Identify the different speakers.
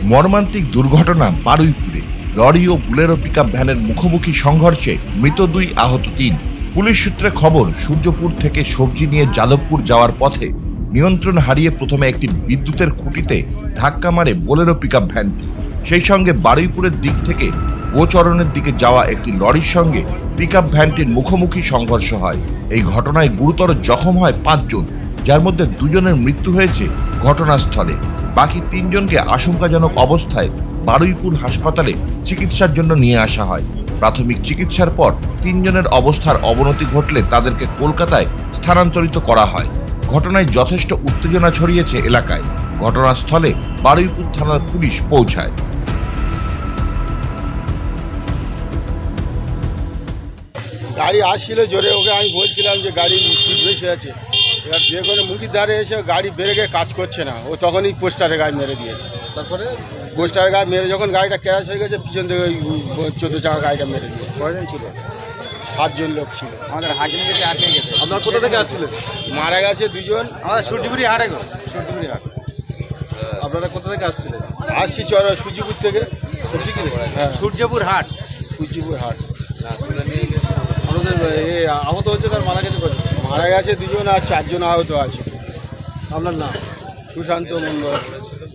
Speaker 1: মর্মান্তিক দুর্ঘটনা বারুইপুরে। লরি ও বুলেরো পিকআপ ভ্যানের মুখোমুখি সংঘর্ষে মৃত 2, আহত 3। পুলিশ সূত্রে খবর, সূর্যপুর থেকে সবজি নিয়ে যাদবপুর যাওয়ার পথে নিয়ন্ত্রণ হারিয়ে প্রথমে একটি বিদ্যুতের খুঁটিতে ধাক্কা মারে বোলেরো পিকআপ ভ্যানটি। সেই সঙ্গে বারুইপুরের দিক থেকে গোচরণের দিকে যাওয়া একটি লরির সঙ্গে পিকআপ ভ্যানটির মুখোমুখি সংঘর্ষ হয়। এই ঘটনায় গুরুতর জখম হয় 5 জন, যার মধ্যে 2 জনের মৃত্যু হয়েছে ঘটনাস্থলে। বাকি 3 জনকে আশঙ্কাজনক অবস্থায় বারুইপুর হাসপাতালে চিকিৎসার জন্য নিয়ে আসা হয়। প্রাথমিক চিকিৎসার পর 3 জনের অবস্থার অবনতি ঘটলে তাদেরকে কলকাতায় স্থানান্তরিত করা হয়। ঘটনায় যথেষ্ট উত্তেজনা ছড়িয়েছে এলাকায়। ঘটনাস্থলে বারুইপুর থানার পুলিশ পৌঁছায়।
Speaker 2: গাড়ি আসছিল জোরে, ওকে আমি বলছিলাম যে গাড়ি স্পিড বেশি আছে। এবার যে কোনো মুখির ধারে এসে গাড়ি ব্রেকে কাজ করছে না, ও তখনই পোস্টারে গাড়ি মেরে দিয়েছে। তারপরে পোস্টারে গাড়ি মেরে যখন গাড়িটা ক্র্যাশ হয়ে গেছে, পিছন থেকে ওই 14 চাকা গাড়িটা মেরে দিয়েছে। কয়জন ছিল? 7 জন লোক ছিল।
Speaker 3: আমাদের হাজির থেকে আটকে গেছে।
Speaker 4: আপনার কোথা থেকে আসছিলেন?
Speaker 2: মারা গেছে 2 জন।
Speaker 3: আমাদের সূর্যপুরি হাটে গো, সূর্যপুরি হাট।
Speaker 4: আপনারা কোথা থেকে আসছিলেন?
Speaker 2: আসছি সূর্যপুর থেকে।
Speaker 4: সবজি কিনে?
Speaker 2: হ্যাঁ,
Speaker 3: সূর্যপুর হাট।
Speaker 2: সূর্যপুর হাট।
Speaker 4: আপনাদের আহত হচ্ছে আর মারা গেছে কজন?
Speaker 2: মারা গেছে 2 জন আর 4 জন আহত আছে।
Speaker 4: আপনার নাম?
Speaker 2: সুশান্ত মন্ডল।